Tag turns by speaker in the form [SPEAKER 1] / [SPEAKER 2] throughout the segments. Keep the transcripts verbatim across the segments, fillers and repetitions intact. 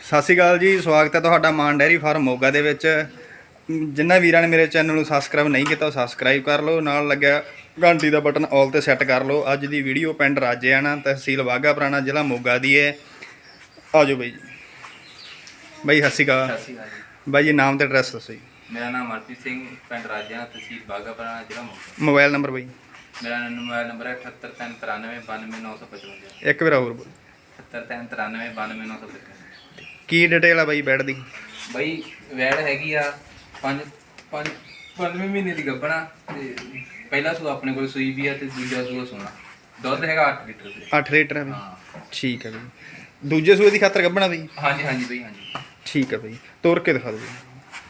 [SPEAKER 1] ਸਤਿ ਸ਼੍ਰੀ ਅਕਾਲ ਜੀ, ਸਵਾਗਤ ਹੈ ਤੁਹਾਡਾ ਮਾਨ ਡੈਰੀ ਫਾਰਮ ਮੋਗਾ ਦੇ ਵਿੱਚ। ਜਿਨ੍ਹਾਂ ਵੀਰਾਂ ਨੇ ਮੇਰੇ ਚੈਨਲ ਨੂੰ ਸਬਸਕ੍ਰਾਈਬ ਨਹੀਂ ਕੀਤਾ ਉਹ ਸਬਸਕ੍ਰਾਈਬ ਕਰ ਲਓ, ਨਾਲ ਲੱਗਿਆ ਘੰਟੀ ਦਾ ਬਟਨ ਆਲ ਤੇ ਸੈੱਟ ਕਰ ਲਓ। ਅੱਜ ਦੀ ਵੀਡੀਓ ਪਿੰਡ ਰਾਜੇਆਣਾ, ਤਹਿਸੀਲ ਬਾਘਾ ਪੁਰਾਣਾ, ਜ਼ਿਲ੍ਹਾ ਮੋਗਾ ਦੀ ਹੈ। ਆ ਜਾਓ ਬਾਈ ਜੀ। ਬਾਈ ਸਤਿ ਸ਼੍ਰੀ ਅਕਾਲ।
[SPEAKER 2] ਸਤਿ ਸ਼੍ਰੀ ਅਕਾਲ ਜੀ।
[SPEAKER 1] ਬਾਈ ਜੀ ਨਾਮ ਤੇ ਐਡਰੈਸ ਦੱਸੋ ਜੀ।
[SPEAKER 2] ਮੇਰਾ ਨਾਮ ਮਨਪ੍ਰੀਤ ਸਿੰਘ, ਪਿੰਡ ਰਾਜੇਆਣਾ, ਤਹਿਸੀਲ ਬਾਘਾ ਪੁਰਾਣਾ, ਜ਼ਿਲ੍ਹਾ ਮੋਗਾ।
[SPEAKER 1] ਮੋਬਾਈਲ ਨੰਬਰ ਬਾਈ।
[SPEAKER 2] ਮੇਰਾ ਮੋਬਾਈਲ ਨੰਬਰ ਹੈ ਅਠੱਤਰ ਤਿੰਨ ਤਰਾਨਵੇਂ ਬਾਨਵੇਂ ਨੌ ਸੌ ਪਚਵੰਜਾ।
[SPEAKER 1] ਇੱਕ ਵਾਰ ਹੋਰ ਬੋਲ।
[SPEAKER 2] ਅਠੱਤਰ ਤਿੰਨ ਤਰਾਨਵੇਂ ਬਾਨਵੇਂ ਨੌ ਸੌ ਪਚਵੰਜਾ।
[SPEAKER 1] ਕੀ ਡਿਟੇਲ ਆ ਬਾਈ ਬੈਡ ਦੀ?
[SPEAKER 2] ਬਾਈ ਵੈੜ ਹੈਗੀ ਆ ਪੰਜ ਪੰਜ ਪੰਜਵੇਂ ਮਹੀਨੇ ਦੀ ਗੱਭਣਾ ਤੇ ਪਹਿਲਾ ਸੂ ਆਪਣੇ ਕੋਲ ਸੂਈ ਵੀ ਆ ਤੇ ਦੂਜਾ ਸੂਆ ਸੋਣਾ। ਦੁੱਧ ਹੈਗਾ ਅੱਠ ਲੀਟਰ ਦੇ।
[SPEAKER 1] ਅੱਠ ਲੀਟਰ ਹੈ ਬਾਈ।
[SPEAKER 2] ਹਾਂ
[SPEAKER 1] ਠੀਕ ਹੈ ਬਾਈ। ਦੂਜੇ ਸੂਏ ਦੀ ਖਾਤਰ ਗੱਭਣਾ ਬਾਈ?
[SPEAKER 2] ਹਾਂਜੀ ਹਾਂਜੀ ਬਾਈ ਹਾਂਜੀ।
[SPEAKER 1] ਠੀਕ ਹੈ ਬਾਈ, ਤੋਰ ਕੇ ਦਿਖਾ ਦਿਓ ਬਾਈ।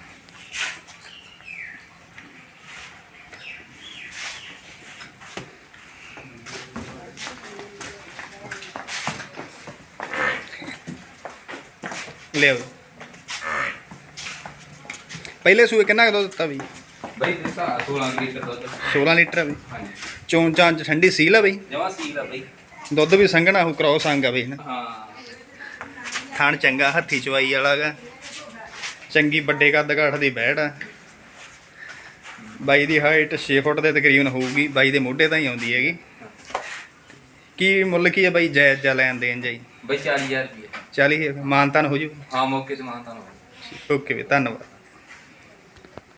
[SPEAKER 1] ਲਿਆਓ। ਪਹਿਲੇ ਸੂਏ ਕਿੰਨਾ ਕੁ ਦੁੱਧ ਦਿੱਤਾ ਬਈ?
[SPEAKER 2] ਬਾਈ ਦਿੱਤਾ ਸੋਲਾਂ ਲੀਟਰ ਦੁੱਧ।
[SPEAKER 1] ਸੋਲਾਂ ਲੀਟਰ ਆ ਬਈ।
[SPEAKER 2] ਹਾਂਜੀ
[SPEAKER 1] ਚੋਣ ਚਾਂਚ ਠੰਡੀ ਸੀਲ ਆ ਬਈ।
[SPEAKER 2] ਜਮਾ ਸੀਲ ਆ ਬਾਈ।
[SPEAKER 1] ਦੁੱਧ ਵੀ ਸੰਘਣਾ ਹੋ, ਕ੍ਰੋਸ ਅੰਗ ਆ ਬਈ ਨਾ।
[SPEAKER 2] ਹਾਂ
[SPEAKER 1] ਥਣ ਚੰਗਾ, ਹੱਥੀ ਚਵਾਈ ਵਾਲਾ ਗਾ। ਚੰਗੀ ਵੱਡੇ ਕੱਦ ਕਾਠ ਦੀ ਬੈੜ ਆ। ਬਾਈ ਦੀ ਹਾਈਟ ਛੇ ਫੁੱਟ ਦੇ ਤਕਰੀਬਨ ਹੋਊਗੀ। ਬਾਈ ਦੇ ਮੋਢੇ ਤਾਂ ਹੀ ਆਉਂਦੀ ਹੈਗੀ। ਕੀ ਮੁੱਲ ਕੀ ਹੈ ਬਾਈ ਜਾਇਜ਼ ਜਾਂ ਲੈਣ ਦੇਣ ਜਾਈ?
[SPEAKER 2] ਬਾਈ ਚਾਲੀ ਹਜ਼ਾਰ ਰੁਪਏ।
[SPEAKER 1] ਚਾਲੀ ਮਾਨਤਾਨ ਹੋ ਜੂ?
[SPEAKER 2] ਹਾਂ ਮੌਕੇ ਤੇ ਮਾਨਤਾਨ ਹੋ।
[SPEAKER 1] ਓਕੇ ਵੀ, ਧੰਨਵਾਦ।